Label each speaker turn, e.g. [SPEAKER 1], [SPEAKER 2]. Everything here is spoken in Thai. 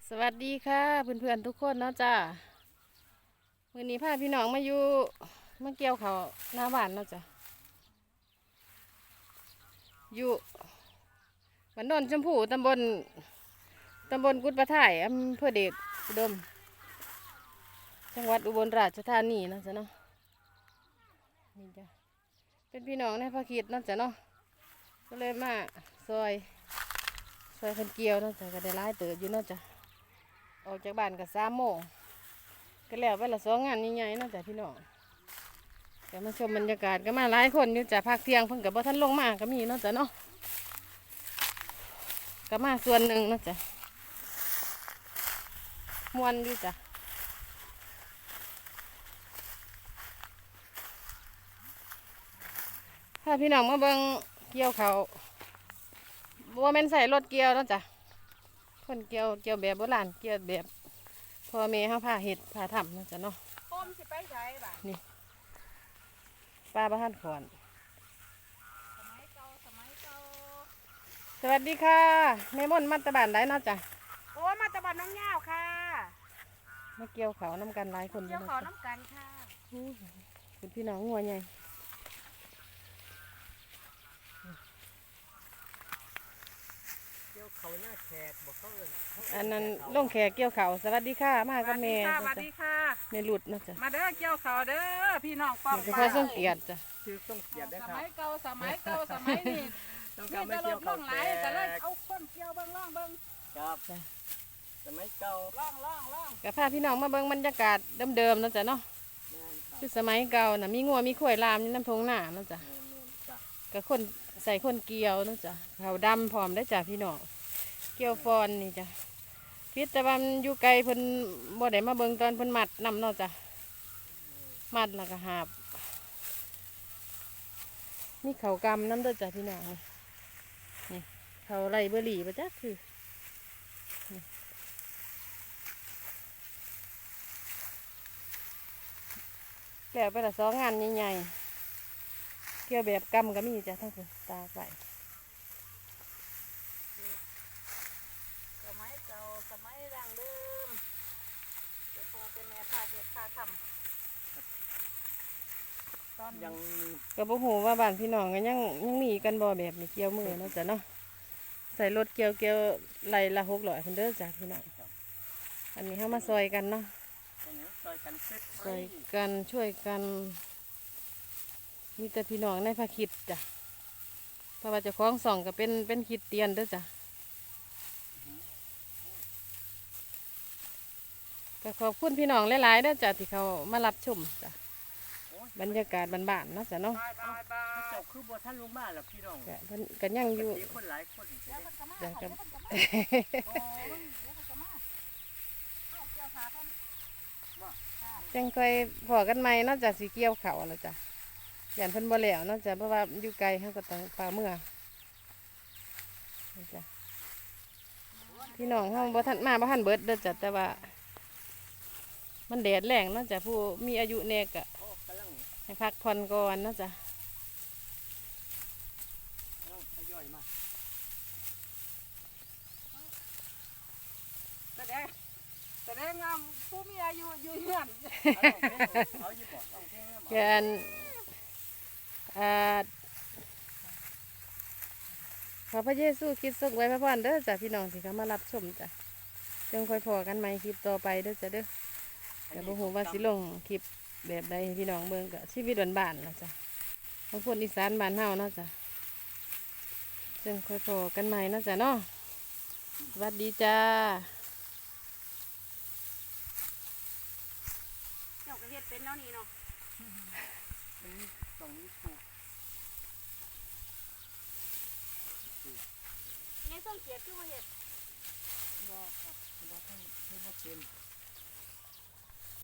[SPEAKER 1] สวัสดีค่ะเพื่อนๆทุกคนเนาะจ้าวันนี้พาพี่น้องมาอยู่มาเกี่ยวเขาวหน้าบ้านเนาะจ้ะอยู่บ้านโนนชมพูตำบลกุดปะถ่ายอำเภอเดชอุดมจังหวัดอุบลราชธานีเนาะจ้ะเนาะนี่จ้ะเป็นพี่น้องในภาคีเนาะจ้ะเนาะก็เลยมาซอยคนเกี่ยวเนาะจ้ะก็ได้หลายเติบอยู่เนาะจ้ะออกจากบ้านก็3 โมงก็แล้วไปละ2 งานใหญ่ๆเนาะจ้ะพี่น้องแต่มาชมบรรยากาศก็มาหลายคนอยู่จ้ะภาคเที่ยงเพิ่งกับบ่ท่านลงมาก็มีเนาะจ้ะเนาะก็มาส่วนหนึ่งเนาะจ้ะมวนอยู่จ้ะถ้าพี่น้องมาเบิ่งเกี่ยวเขาบ่แม่นใส่รถเกี่ยวเนาะจ้ะคนเกี่ยวแบบโบราณเกี่ยวแบบพ่อแม่เฮาพาเฮ็ดพาทำเนาะจ้ะเนาะ
[SPEAKER 2] ป้อมสิไปใช้บ่า
[SPEAKER 1] นี่ป้าบ้านขอน
[SPEAKER 2] สมัยเก่า
[SPEAKER 1] สวัสดีค่ะแม่ม่อนมัตตบานได้เนาะจ้ะ
[SPEAKER 2] โอ้มาตะบันน้องย่าวค่ะ
[SPEAKER 1] มาเกี่ยวเขาน้ำกันหลายคน
[SPEAKER 2] เกี่ยว
[SPEAKER 1] เนาะ
[SPEAKER 2] ขอ
[SPEAKER 1] จ้ะ
[SPEAKER 2] น้ำกันค่ะ
[SPEAKER 1] คุณพี่น้องงัวใหญ่
[SPEAKER 3] เกี่ยวเขาหน้าแขกบอกเขาเอิ้น
[SPEAKER 1] อันนั้นลงแขกเกี่ยวเขาสวัสดีค่ะมากับแม่
[SPEAKER 2] สวัสดีค่ะ
[SPEAKER 1] แม่หลุดเนาะจ้ะ
[SPEAKER 2] มาเด้อเกี่ยวเขาเด้อพี่น้องป้อม
[SPEAKER 1] นี่ก็พอส่งเกียรติจ้ะ
[SPEAKER 3] ชื่อต้องเกียรติได้
[SPEAKER 2] ส
[SPEAKER 3] ครับ
[SPEAKER 2] มัยเก่าสมัยนี้
[SPEAKER 3] ต้อง
[SPEAKER 2] มี
[SPEAKER 3] การไม่
[SPEAKER 2] ตล
[SPEAKER 3] เกี่ยว
[SPEAKER 2] ก
[SPEAKER 3] เขา
[SPEAKER 2] ล่องไห
[SPEAKER 3] แข
[SPEAKER 2] ลก็เลย
[SPEAKER 3] ก
[SPEAKER 2] เอาคนเกี่ยวเบิ่งล่องเบิ่ง
[SPEAKER 3] ครับสมัยเก่า
[SPEAKER 2] ล่อง
[SPEAKER 1] กับพาพี่น้องมาเบิ่งบรรยากาศเดิมๆเนาะจ้ะเนาะ
[SPEAKER 3] แม่นครับ
[SPEAKER 1] คือสมัยเก่าน่ะมีงัวมีข้วยลามอยู่น้ำทงหน้าเนาะจ้ะ
[SPEAKER 3] แม่นจ้ะ
[SPEAKER 1] กับคนใส่คนเกี่ยวเนาะจ้ะเขาดำพร้อมได้จ้ะพี่น้องเกี่ยวฟอนนี่จ้ะพิษแต่ว่ามันอยู่ไกลเพิ่นบ่ได้มาเบิ่งตอนเพิ่นมัดนำเนาะจ้ะมัดแล้วก็หาบมีเขากำน้ำเด้อจ้ะพี่น้องนี่เขาไรเบอร์รี่ปะจ๊ะคือนี่แล้วไปละ2 งานใหญ่ๆเกี่ยวแบบกำก็มีจ้ะทั้งคนตากไว้
[SPEAKER 2] สมัยเก่าสมัยดั้งเดิมเดี๋ยวพอเป็นแม่พาเฮ็ดพาทำตอน
[SPEAKER 3] ยัง
[SPEAKER 1] ก็บ่ฮู้ว่าบ้านพี่น้องก็ยังมีกันบ่แบบนี้เกี่ยวมือเนาะจ้ะเนาะใส่รถเกี่ยวไหลละ600เพิ่นเด้อจ้ะพี่น้องอันนี้เฮามาซอยกันเนาะ
[SPEAKER 3] ตรงนี้ซอยกันเซ็ต
[SPEAKER 1] ซอยกันช่วยกันมีแต่พี่น้องในภาคิดจ้ะเพราะว่าเจ้าของส่องก็เป็นคริดเตียนเด้อจ้ะก็ขอบคุณพี่น้องหลายๆเด้อจ้ะที่เขามารับชมจ้ะบรรยากาศบ้านๆเนาะจ้ะเนาะ
[SPEAKER 2] บาย
[SPEAKER 3] เจ้าคือบ่ท่านลงมาหรอกพี่น้อง
[SPEAKER 1] ก็เพิ่นก็ยังอยู่
[SPEAKER 3] มีคนหลายคน
[SPEAKER 2] เดี๋ยวมันก็มา
[SPEAKER 1] จ้ะ
[SPEAKER 2] เดี๋
[SPEAKER 1] กั
[SPEAKER 2] ยว
[SPEAKER 1] บ
[SPEAKER 2] มันก็มาโอ้ยเดี๋ยวมันก็มาเอาเกี่ยวขาท่าน
[SPEAKER 1] จังค่อยพอกันใหม่เนาะจ้ะสิเกี่ยวเขาแล้วจ้ะย่านเพิ่นบ่แล้วเนาะจ้ะเพราะว่าอยู่ไกลเฮาก็ต้องฝ่าเมื่อนี่จ้ะพี่น้องเฮาบ่ทันมาบ่ทันเบิดเด้อจ้ะแต่ว่ามันแดดแรงเนาะจ้ะผู้มีอายุแน่ก็
[SPEAKER 3] โอ้กำลัง
[SPEAKER 1] ให้พักผ่อนก่อนเนาะจ้ะ
[SPEAKER 3] ทยอยมา
[SPEAKER 2] แสดงงามผู้มีอายุอยู่เฮือน
[SPEAKER 3] เอาอยู่บ่ต้องเพลงนะ
[SPEAKER 1] เพื่อนขอพระเยซูคริสต์ทรงไว้พระพรเด้อจ้ะพี่น้องที่เขามารับชมจ้ะจงคอยพอกันใหม่คลิปต่อไปเด้อจ้ะเด้อแต่บ่ฮู้ว่าสิลงคลิปแบบใดให้พี่น้องเบิ่งก็ชีวิตบ้านๆล่ะจ้ะบางคนอีสานบ้านเฮาเนาะจ้ะจงคอยพอกันใหม่เนาะจ้ะเนาะสวัสดีจ้า
[SPEAKER 2] เจ้าก็เฮ็ดเป็นเนาะนี่เนาะ
[SPEAKER 3] ตรงนี้ถูก
[SPEAKER 2] นี่ส่งเกียรติคือว่าเฮ็ด
[SPEAKER 3] บ่ครับบ่ท่านบ่เป็น